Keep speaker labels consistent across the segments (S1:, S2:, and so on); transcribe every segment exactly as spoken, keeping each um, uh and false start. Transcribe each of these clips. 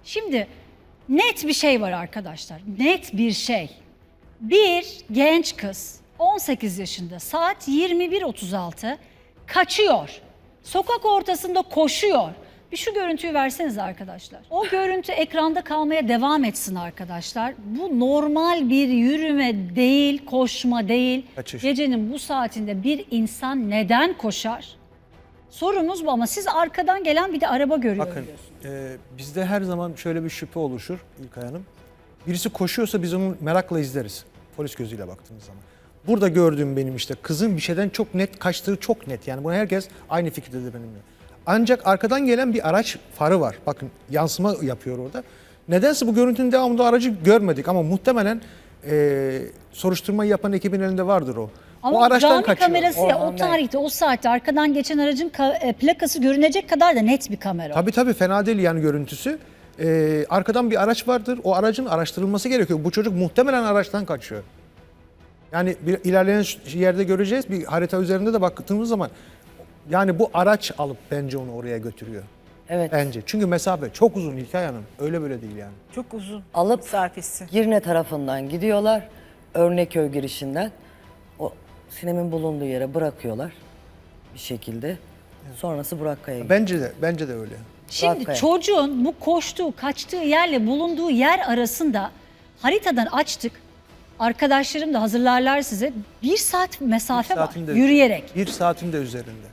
S1: Şimdi net bir şey var arkadaşlar. Net bir şey. Bir genç kız on sekiz yaşında saat yirmi bir otuz altı kaçıyor. Sokak ortasında koşuyor. Bir şu görüntüyü verseniz arkadaşlar. O görüntü ekranda kalmaya devam etsin arkadaşlar. Bu normal bir yürüme değil, koşma değil.
S2: Kaçış.
S1: Gecenin bu saatinde bir insan neden koşar? Sorumuz bu ama siz arkadan gelen bir de araba görüyor
S2: Bakın
S1: diyorsunuz.
S2: e, bizde her zaman şöyle bir şüphe oluşur İlkay Hanım. Birisi koşuyorsa biz onu merakla izleriz. Polis gözüyle baktığımız zaman. Burada gördüğüm benim işte kızın bir şeyden çok net kaçtığı çok net. Yani bunu herkes aynı fikirdedir benimle. Ancak arkadan gelen bir araç farı var. Bakın yansıma yapıyor orada. Nedense bu görüntünün devamında aracı görmedik ama muhtemelen e, soruşturmayı yapan ekibin elinde vardır o.
S1: Ama
S2: o araçtan
S1: cami
S2: kaçıyor.
S1: kamerası ya o
S2: andan.
S1: tarihte o saatte arkadan geçen aracın ka- e, plakası görünecek kadar da net bir kamera.
S2: Tabii tabii fena değil yani görüntüsü. Ee, arkadan bir araç vardır. O aracın araştırılması gerekiyor. Bu çocuk muhtemelen araçtan kaçıyor. Yani bir ilerleyen yerde göreceğiz. Bir harita üzerinde de baktığımız zaman yani bu araç alıp bence onu oraya götürüyor.
S3: Evet.
S2: Bence. Çünkü mesafe çok uzun İlkay Hanım. Öyle böyle değil yani.
S4: Çok uzun
S3: Alıp
S4: mesafesi.
S3: Girne tarafından gidiyorlar. Örneköy girişinden. O Sinem'in bulunduğu yere bırakıyorlar bir şekilde. Sonrası Burakkaya gidiyor.
S2: Bence de bence de öyle.
S1: Şimdi
S3: Bırak be.
S1: çocuğun bu koştuğu, kaçtığı yerle bulunduğu yer arasında haritadan açtık. Arkadaşlarım da hazırlarlar size. Bir saat mesafe
S2: Bir
S1: var
S2: saatin de-
S1: yürüyerek.
S2: Bir saatin de üzerinde.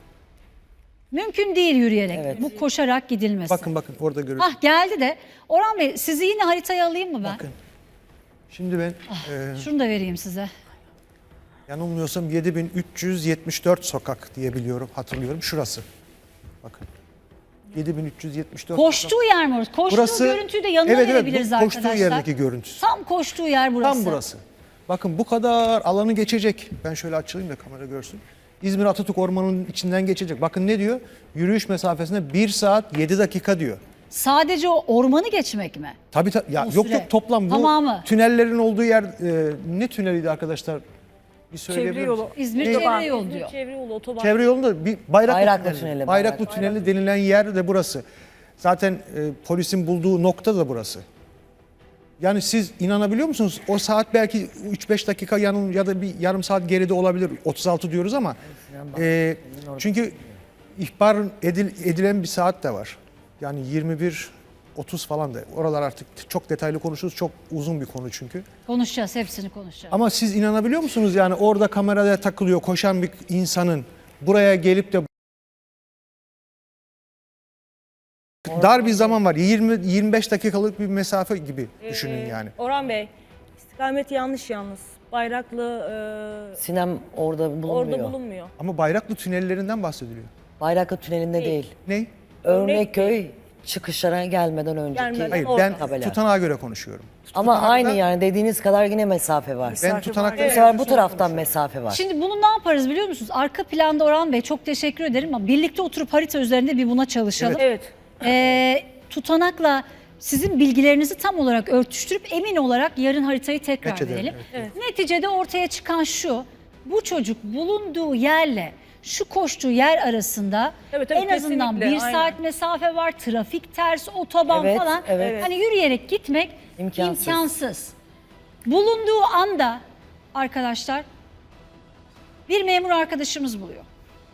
S1: Mümkün değil yürüyerek.
S3: Evet.
S1: Bu koşarak gidilmesi.
S2: Bakın bakın orada görüyoruz.
S1: Hah geldi de. Orhan Bey sizi yine haritaya alayım mı ben?
S2: Bakın. Şimdi ben
S1: Ah.
S2: e,
S1: Şunu da vereyim size.
S2: yanılmıyorsam yedi bin üç yüz yetmiş dört sokak diye biliyorum, hatırlıyorum. Şurası. Bakın. yedi bin üç yüz yetmiş dört sokak.
S1: Koştuğu yer mi orası? Koştuğu görüntüyü de yanına
S2: evet, evet,
S1: verebiliriz
S2: bu
S1: arkadaşlar.
S2: koştuğu yerdeki görüntüsü.
S1: Tam koştuğu yer burası.
S2: Tam burası. Bakın bu kadar alanı geçecek. Ben şöyle açayım da kamera görsün. İzmir Atatürk Ormanı'nın içinden geçecek. Bakın ne diyor? Yürüyüş mesafesinde bir saat yedi dakika diyor.
S1: Sadece o ormanı geçmek mi?
S2: Tabii tabii. Ya
S1: O
S2: yok
S1: süre.
S2: yok toplam bu
S1: Tamamı.
S2: tünellerin olduğu yer e, ne tüneliydi arkadaşlar? Bir söyleyebilir
S4: Çevre yolu.
S2: misiniz?
S1: İzmir
S2: Ne?
S1: Çevre Yolu
S4: İzmir
S1: diyor.
S4: Çevre yolu, otoban.
S2: Çevre yolunda bir Bayraklı,
S3: Bayraklı
S2: Tüneli.
S3: Tüneli,
S2: Bayraklı
S3: Bayraklı.
S2: Tüneli denilen yer de burası. Zaten e, polisin bulduğu nokta da burası. Yani siz inanabiliyor musunuz? O saat belki üç beş dakika yanım ya da bir yarım saat geride olabilir. otuz altı diyoruz ama e, çünkü ihbar edil, edilen bir saat de var. Yani yirmi bir otuz falan da. Oralar artık çok detaylı konuşuruz. Çok uzun bir konu çünkü.
S1: Konuşacağız, hepsini konuşacağız.
S2: Ama siz inanabiliyor musunuz? Yani orada kameraya takılıyor koşan bir insanın buraya gelip de dar bir zaman var. yirmi yirmi beş dakikalık bir mesafe gibi düşünün yani.
S4: Orhan Bey, istikamet yanlış yalnız. Bayraklı e,
S3: Sinem orada bulunmuyor.
S4: orada bulunmuyor.
S2: Ama Bayraklı tünellerinden bahsediliyor.
S3: Bayraklı Tüneli'nde değil.
S2: Ne?
S3: Örneköy çıkışlara gelmeden önceki.
S4: Gelmeden
S2: Hayır
S4: orada.
S2: ben
S3: Tabela.
S2: tutanağa göre konuşuyorum.
S3: Ama
S2: Tutanakta-
S3: aynı yani dediğiniz kadar yine mesafe var.
S2: Ben tutanakta
S3: Bu sefer bu taraftan mesafe var.
S1: Şimdi bunu ne yaparız biliyor musunuz? Arka planda Orhan Bey çok teşekkür ederim ama birlikte oturup harita üzerinde bir buna çalışalım.
S4: Evet.
S1: Ee, tutanakla sizin bilgilerinizi tam olarak örtüştürüp emin olarak yarın haritayı tekrar
S2: Match edelim,
S1: verelim.
S2: evet.
S1: Neticede ortaya çıkan şu, bu çocuk bulunduğu yerle şu koştuğu yer arasında
S4: Evet, evet,
S1: en azından
S4: kesinlikle,
S1: bir
S4: aynen.
S1: saat mesafe var, trafik ters, otoban
S3: Evet,
S1: falan.
S3: evet.
S1: Hani yürüyerek gitmek
S3: İmkansız.
S1: imkansız. Bulunduğu anda arkadaşlar bir memur arkadaşımız buluyor.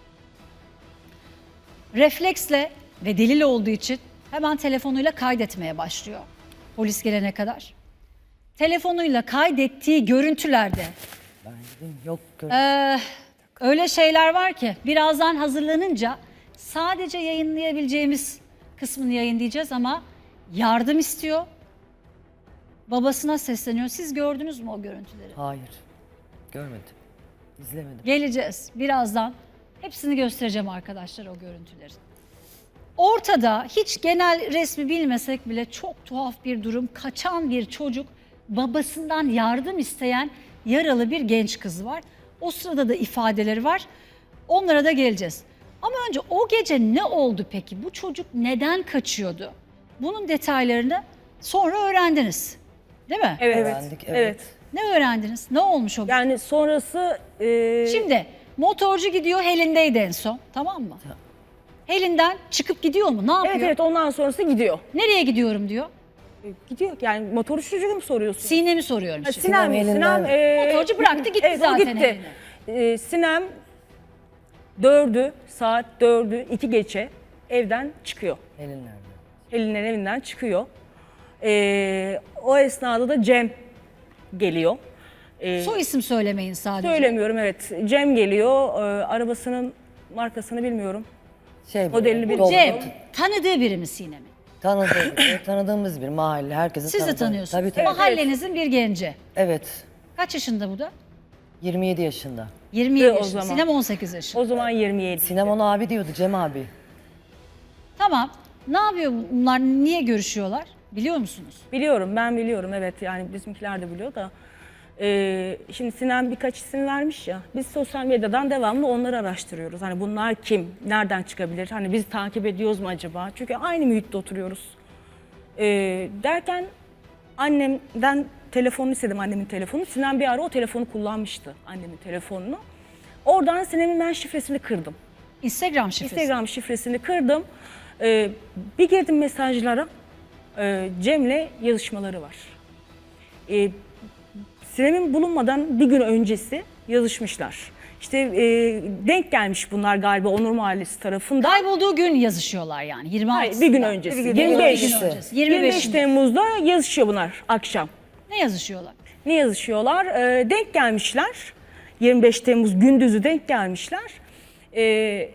S1: Refleksle ve delil olduğu için hemen telefonuyla kaydetmeye başlıyor polis gelene kadar. Telefonuyla kaydettiği görüntülerde
S3: Ben dedim, yok gör-
S1: ee, öyle şeyler var ki birazdan hazırlanınca sadece yayınlayabileceğimiz kısmını yayınlayacağız ama yardım istiyor. Babasına sesleniyor. Siz gördünüz mü o görüntüleri?
S3: Hayır. Görmedim. İzlemedim.
S1: Geleceğiz birazdan. Hepsini göstereceğim arkadaşlar o görüntüleri. Ortada hiç genel resmi bilmesek bile çok tuhaf bir durum. Kaçan bir çocuk, babasından yardım isteyen yaralı bir genç kız var. O sırada da ifadeleri var. Onlara da geleceğiz. Ama önce o gece ne oldu peki? Bu çocuk neden kaçıyordu? Bunun detaylarını sonra öğrendiniz. Değil mi?
S4: Evet.
S3: Öğrendik, evet.
S4: Evet.
S1: Ne öğrendiniz? Ne olmuş o gün?
S4: Yani sonrası e,
S1: Şimdi motorcu gidiyor, Helin'deydi en son, tamam mı? Helin'den çıkıp gidiyor mu? Ne yapıyor?
S4: evet evet ondan sonrası gidiyor.
S1: Nereye gidiyorum diyor.
S4: Gidiyor. Yani motoru çocuğu mu soruyorsun?
S1: Sinem'i soruyorum
S4: Ha,
S1: şimdi.
S4: Sinem,
S3: Sinem
S4: Sinem,
S3: elinden-
S4: e,
S1: Motorcu bıraktı, gitti
S4: evet, o
S1: zaten
S4: gitti. E, Sinem dördü, saat dördü, iki geçe evden çıkıyor.
S3: Elin nerede?
S4: Pelin'in evinden çıkıyor. E, o esnada da Cem geliyor. E,
S1: Soy isim söylemeyin sadece.
S4: söylemiyorum evet. Cem geliyor. E, arabasının markasını bilmiyorum.
S3: Şey,
S4: Modelini
S3: dolu-
S1: Cem tanıdığı biri mi Sinem'in?
S3: Tanıdığı, evet, tanıdığımız bir mahalle. Herkesin
S1: Siz de
S3: tanıdığı.
S1: tanıyorsunuz.
S3: Tabii tabii.
S1: Mahallenizin bir genci.
S3: Evet.
S1: Kaç yaşında bu da?
S3: yirmi yedi yaşında.
S1: yirmi yedi
S4: o
S1: yaşında.
S4: zaman.
S1: Sinem on sekiz yaşında.
S4: O zaman yirmi yedi.
S3: Sinem ona abi diyordu, Cem abi.
S1: Tamam. Ne yapıyor bunlar? Niye görüşüyorlar? Biliyor musunuz?
S4: Biliyorum, ben biliyorum evet, yani bizimkiler de biliyor da. Ee, şimdi Sinem birkaç isim vermiş ya, biz sosyal medyadan devamlı onları araştırıyoruz. Hani bunlar kim, nereden çıkabilir, hani biz takip ediyoruz mu acaba? Çünkü aynı mühitte oturuyoruz. Ee, derken annemden telefonunu istedim, annemin telefonunu. Sinem bir ara o telefonu kullanmıştı, annemin telefonunu. Oradan Sinem'in ben şifresini kırdım.
S1: Instagram şifresi.
S4: Instagram şifresini kırdım. Ee, bir girdim mesajlara. Ee, Cem'le yazışmaları var. Ee, Sinem'in bulunmadan bir gün öncesi yazışmışlar. İşte e, denk gelmiş bunlar galiba Onur Mahallesi tarafından.
S1: Kaybolduğu gün yazışıyorlar yani. yirmi altısında.
S4: Hayır, bir gün öncesi.
S1: Bir gün
S4: yirmi beş.
S1: öncesi. yirmi beş.
S4: yirmi beş Temmuz'da yazışıyor bunlar akşam.
S1: Ne yazışıyorlar?
S4: Ne yazışıyorlar? Ee, denk gelmişler. yirmi beş Temmuz gündüzü denk gelmişler. Ee,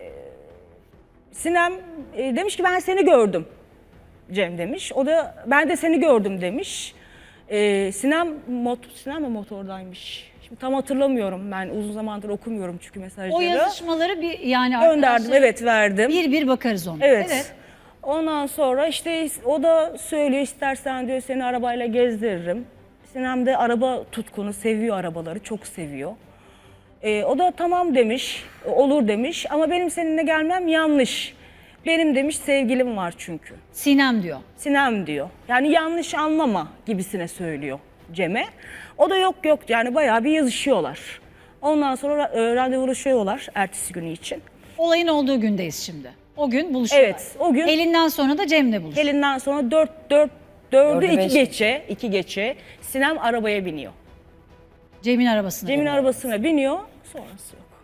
S4: Sinem e, demiş ki ben seni gördüm. Cem demiş. O da ben de seni gördüm demiş. Ee, Sinem, mot Sinem mi motordaymış? Şimdi tam hatırlamıyorum, ben uzun zamandır okumuyorum çünkü mesajları.
S1: O yazışmaları bir yani
S4: Gönderdim,
S1: arkadaşlar,
S4: evet verdim.
S1: Bir bir bakarız ona.
S4: Evet. Ondan sonra işte o da söylüyor, istersen diyor seni arabayla gezdiririm. Sinem de araba tutkunu, seviyor arabaları, çok seviyor. Ee, o da tamam demiş, olur demiş ama benim seninle gelmem yanlış. Benim demiş sevgilim var çünkü.
S1: Sinem diyor.
S4: Sinem diyor. Yani yanlış anlama gibisine söylüyor Cem'e. O da yok yok yani bayağı bir yazışıyorlar. Ondan sonra e, randevulaşıyorlar ertesi günü için.
S1: Olayın olduğu gündeyiz şimdi. O gün buluşuyorlar.
S4: Evet, o gün-
S1: Elinden sonra da Cem'le buluşuyor.
S4: Elinden sonra dört dört dördü
S3: Dördü
S4: iki
S3: beş.
S4: geçe, iki geçe Sinem arabaya biniyor.
S1: Cem'in arabasına.
S4: Cem'in
S1: biniyor.
S4: arabasına biniyor, sonrası yok.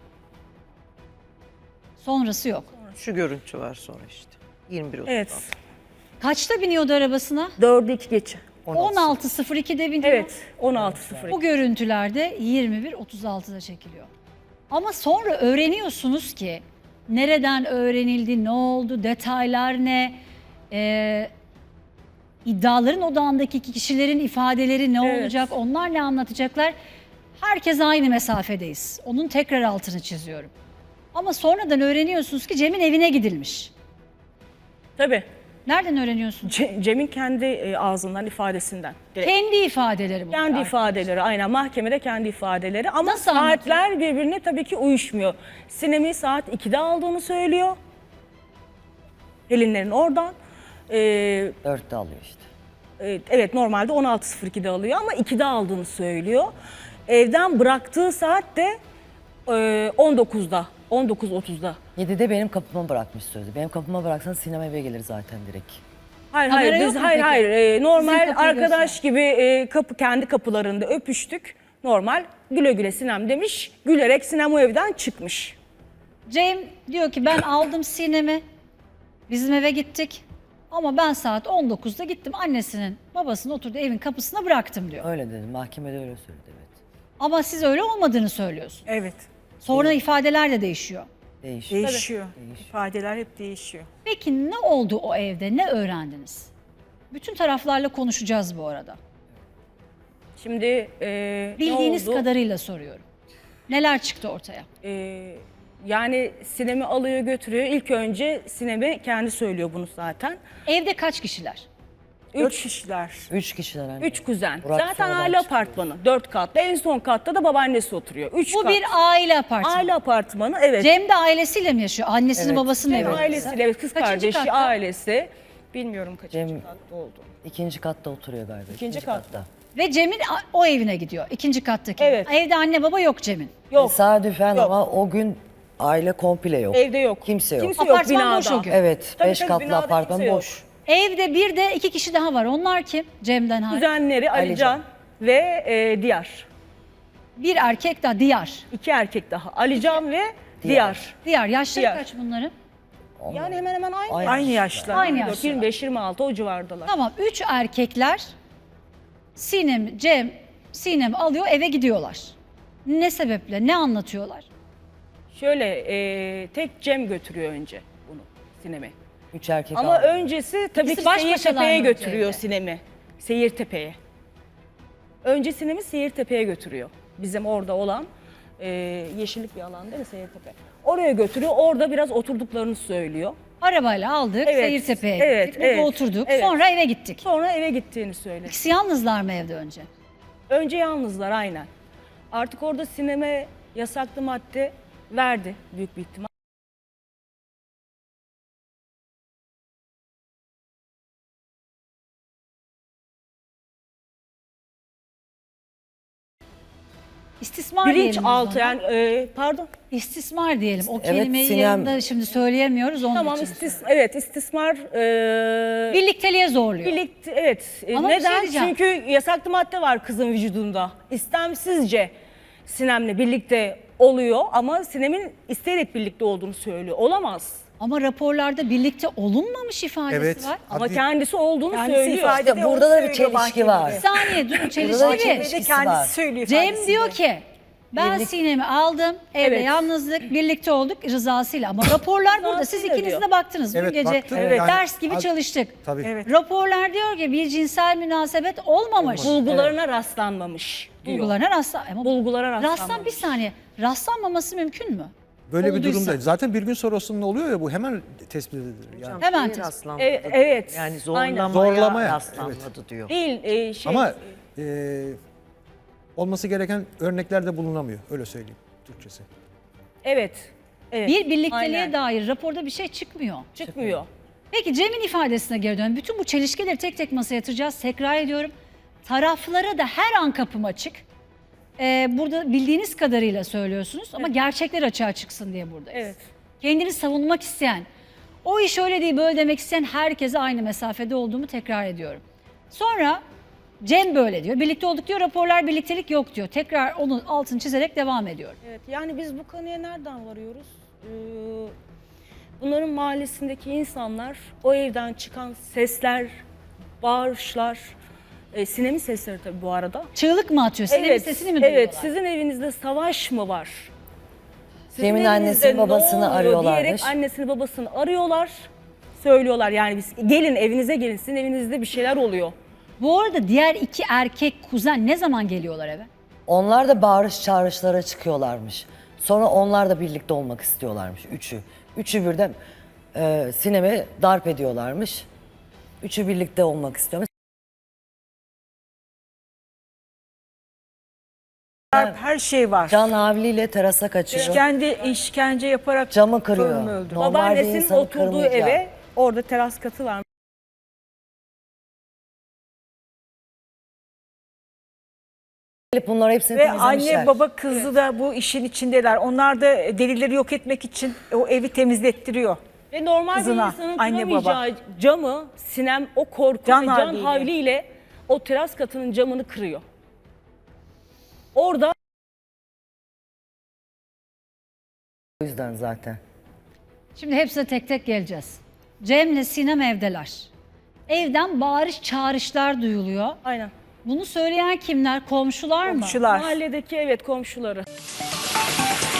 S1: Sonrası yok.
S5: Şu görüntü var sonra işte. yirmi bir otuz.
S4: Evet,
S1: Kaçta biniyordu arabasına?
S4: dördü iki geçe.
S1: on altı sıfır iki'de biniyor.
S4: Evet, on altı sıfır.
S1: Bu görüntülerde yirmi bir otuz altı'da çekiliyor. Ama sonra öğreniyorsunuz ki nereden öğrenildi, ne oldu, detaylar ne, Ee, iddiaların odağındaki kişilerin ifadeleri ne
S4: Evet.
S1: olacak, onlar ne anlatacaklar. Herkes aynı mesafedeyiz. Onun tekrar altını çiziyorum. Ama sonradan öğreniyorsunuz ki Cem'in evine gidilmiş.
S4: Tabii.
S1: Nereden öğreniyorsunuz?
S4: Ce- Cem'in kendi e, ağzından, ifadesinden. Direkt.
S1: Kendi ifadeleri bu.
S4: Kendi ifadeleri, aynen mahkemede kendi ifadeleri ama
S1: Nasıl
S4: saatler birbirine tabii ki uyuşmuyor. Sinem'i saat ikide aldığını söylüyor. Pelinlerin oradan. Ee,
S3: Dörtte alıyor işte.
S4: e, evet normalde on altı sıfır iki'de alıyor ama ikide aldığını söylüyor. Evden bıraktığı saat de e, on dokuz'da, on dokuz otuz'da.
S3: yedide benim kapıma bırakmış sözü. Benim kapıma bıraksan Sinem eve gelir zaten direkt.
S4: Hayır
S1: Kamera
S4: hayır
S1: yok
S4: biz
S1: mu
S4: hayır
S1: peki?
S4: hayır e,
S1: Sizin
S4: normal
S1: kapıyı
S4: arkadaş
S1: göster.
S4: gibi e, kapı kendi kapılarında öpüştük. Normal güle güle Sinem demiş. Gülerek Sinem o evden çıkmış.
S1: Cem diyor ki ben aldım Sinem'i, bizim eve gittik ama ben saat on dokuz'da gittim annesinin babasının oturduğu evin kapısına bıraktım diyor.
S3: Öyle dedi. Mahkemede öyle söyledi, evet.
S1: Ama siz öyle olmadığını söylüyorsunuz.
S6: Evet.
S1: Sonra ifadeler de değişiyor.
S3: Değişiyor.
S6: Değişiyor. İfadeler hep değişiyor.
S1: Peki ne oldu o evde, ne öğrendiniz? Bütün taraflarla konuşacağız bu arada.
S4: Şimdi e,
S1: Bildiğiniz
S4: ne oldu?
S1: kadarıyla soruyorum. Neler çıktı ortaya?
S4: E, yani Sinem'i alıyor götürüyor. İlk önce Sinem'e kendi söylüyor bunu zaten.
S1: Evde kaç kişiler?
S6: Dört
S4: Üç,
S6: kişiler.
S3: Üç kişiler anne.
S4: üç kuzen.
S3: Burak
S4: zaten
S3: sonradan
S4: aile
S3: çıkıyor.
S4: apartmanı. Dört katlı. En son katta da babaannesi oturuyor. Üç
S1: Bu
S4: kat.
S1: bir aile apartmanı.
S4: aile apartmanı. Evet.
S1: Cem de ailesiyle mi yaşıyor? Annesinin
S3: Evet.
S1: babasının
S4: Cem
S1: evi.
S4: ailesiyle, evet, kız
S1: Kaçıncı
S4: kardeşi,
S1: katta?
S4: ailesi. Bilmiyorum kaçıncı
S3: Cem-
S4: katta oldu.
S3: İkinci katta oturuyor galiba.
S4: İkinci katta.
S1: Ve Cem'in a- o evine gidiyor. İkinci kattaki.
S4: Evet.
S1: Evde anne baba yok Cem'in.
S4: Yok.
S3: Tesadüfen
S4: Yok.
S3: ama o gün aile komple yok.
S4: Evde yok.
S3: Kimse yok.
S4: Kimse yok
S1: Apartman
S4: binada.
S1: boş o gün.
S3: Evet,
S4: Tabii,
S3: beş
S4: tabii,
S3: katlı
S4: binada
S3: apartman
S4: kimse yok.
S3: boş.
S1: Evde bir de iki kişi daha var. Onlar kim? Cem'den hariç.
S4: Kuzenleri
S3: Alican.
S4: Alican ve e, Diyar.
S1: Bir erkek daha Diyar.
S4: İki erkek daha. Alican ve Diyar.
S1: Diyar. Yaşları
S4: Diyar.
S1: kaç bunların?
S4: Yani hemen hemen aynı.
S3: Aynı
S6: Aynı yaşlar.
S1: Aynı yaşlar.
S4: yirmi beş yirmi altı o civardalar.
S1: Tamam. Üç erkekler Sinem, Cem, Sinem alıyor eve gidiyorlar. Ne sebeple? Ne anlatıyorlar?
S4: Şöyle e, tek Cem götürüyor önce bunu Sinem'e.
S3: Üç erkek
S4: Ama
S3: aldı.
S4: öncesi tabii
S1: İkisi
S4: ki
S1: baş başalar
S4: Seyirtepe'ye
S1: mı
S4: götürüyor
S1: önce?
S4: Sinem'i. Seyirtepe'ye. Önce Sinem'i Seyirtepe'ye götürüyor. Bizim orada olan e, yeşillik bir alan değil mi Seyirtepe? Oraya götürüyor. Orada biraz oturduklarını söylüyor.
S1: Arabayla aldık,
S4: Evet,
S1: Seyirtepe'ye
S4: evet,
S1: gittik, burada
S4: evet,
S1: oturduk.
S4: evet.
S1: Sonra eve gittik.
S4: Sonra eve gittiğini söyledi.
S1: İkisi yalnızlar mı evde önce?
S4: Önce yalnızlar aynen. Artık orada Sinem'e yasaklı madde verdi büyük bir ihtimal.
S1: İstismar
S4: Bilinç
S1: diyelim biz
S4: altı
S1: ona.
S4: yani e, pardon.
S1: İstismar diyelim. O
S3: Evet,
S1: kelimeyi
S3: Sinem-
S1: yanında şimdi söyleyemiyoruz onun
S4: Tamam
S1: için.
S4: istis evet istismar e,
S1: Birlikteliğe zorluyor.
S4: birlikte evet. E,
S1: Ama bir şey
S4: neden?
S1: diyeceğim.
S4: Çünkü yasaklı madde var kızın vücudunda. İstemsizce Sinem'le birlikte oluyor ama Sinem'in isteyerek birlikte olduğunu söylüyor. Olamaz.
S1: Ama raporlarda birlikte olunmamış ifadesi
S2: Evet.
S1: var.
S4: Ama
S2: Hadi.
S4: kendisi olduğunu
S6: Kendisi
S4: söylüyor.
S6: ifade
S3: İşte
S6: ediyor,
S3: burada
S6: onu
S3: da bir
S6: söylüyor
S3: çelişki var.
S6: mahkemede.
S1: Bir saniye durun
S3: Burada da
S1: çelişki
S3: bir
S1: bir.
S3: çelişki
S6: Ve kendisi
S3: var.
S6: söylüyor
S1: Cem
S6: ifadesinde.
S1: diyor ki ben
S3: Birlik-
S1: Sinem'i aldım, evde
S4: Evet.
S1: yalnızlık, birlikte olduk rızasıyla. Ama raporlar burada. Siz
S4: Rızasıyla
S1: ikiniz
S4: diyor.
S1: de baktınız.
S2: Evet,
S1: Bu gece
S2: baktım.
S1: evet.
S2: Yani
S1: ders gibi
S2: az-
S1: çalıştık.
S2: Tabii.
S6: Evet.
S1: Raporlar diyor ki bir cinsel münasebet olmamış.
S4: Bulgularına rastlanmamış diyor.
S1: Bulgularına rastlan. Ama
S4: Bulgulara rastlanmamış.
S1: rastlan bir saniye. Rastlanmaması mümkün mü?
S2: Böyle bir
S1: Olduysa.
S2: durumda. Zaten bir gün sonrasında oluyor ya bu hemen tespit edilir. Yani.
S1: Hemen
S5: Şeye
S1: tespit.
S5: rastlanmadı.
S4: Evet, evet.
S5: Yani
S4: Aynen.
S5: zorlamaya,
S2: Zorlamaya,
S5: rastlanmadı diyor.
S4: Değil e, şey.
S2: Ama e, olması gereken örnekler de bulunamıyor. Öyle söyleyeyim Türkçesi.
S4: Evet. Evet.
S1: Bir birlikteliğe
S4: Aynen.
S1: dair raporda bir şey çıkmıyor.
S4: çıkmıyor.
S1: Peki Cem'in ifadesine geri dön. Bütün bu çelişkileri tek tek masaya yatıracağız. Tekrar ediyorum. Taraflara da her an kapım açık. Ee, burada bildiğiniz kadarıyla söylüyorsunuz ama gerçekler açığa çıksın diye buradayız.
S4: Evet.
S1: Kendini savunmak isteyen, o iş öyle değil böyle demek isteyen herkese aynı mesafede olduğumu tekrar ediyorum. Sonra Cem böyle diyor. Birlikte olduk diyor. Raporlar birliktelik yok diyor. Tekrar onun altını çizerek devam ediyorum.
S4: Evet. Yani biz bu konuya nereden varıyoruz? Ee, bunların mahallesindeki insanlar o evden çıkan sesler, bağırışlar, e, Sinem'in sesleri tabii bu arada.
S1: Çığlık mı atıyor? Sinem'in sesini mi duyuyorlar?
S4: Evet, sizin evinizde savaş mı var? Sizin
S3: Cem'in
S4: evinizde
S3: annesini,
S4: ne
S3: babasını
S4: oluyor
S3: arıyorlarmış.
S4: Diyerek annesini babasını arıyorlar. Söylüyorlar yani biz gelin evinize gelin sizin evinizde bir şeyler oluyor.
S1: Bu arada diğer iki erkek kuzen ne zaman geliyorlar eve?
S3: Onlar da bağırış çağrışlara çıkıyorlarmış. Sonra onlar da birlikte olmak istiyorlarmış. Üçü. Üçü birden e, Sinem'i darp ediyorlarmış. Üçü birlikte olmak istiyormuş.
S6: Her şey var.
S3: Can havliyle terasa kaçıyor.
S6: İşkence, işkence yaparak
S3: Camı kırıyor.
S6: torununu öldürdü.
S3: Normal bir
S4: Babaannesinin
S3: insanı
S4: oturduğu
S3: kırmayacak.
S4: eve orada teras katı var.
S3: Gelip bunlar hepsini
S6: Ve
S3: temizlemişler.
S6: anne baba kızı da bu işin içindeler. Onlar da delilleri yok etmek için o evi temizlettiriyor.
S4: Ve normal
S6: Kızına,
S4: bir insanın
S6: anne
S4: kıramayacağı camı Sinem o korku
S6: Can
S4: ve can
S6: havliyle.
S4: havliyle o teras katının camını kırıyor. Orada
S3: O yüzden zaten.
S1: Şimdi hepsine tek tek geleceğiz. Cem'le Sinem evdeler. Evden bağırış çağrışlar duyuluyor.
S4: aynen.
S1: Bunu söyleyen kimler? Komşular mı?
S6: Komşular.
S4: Mahalledeki evet komşuları.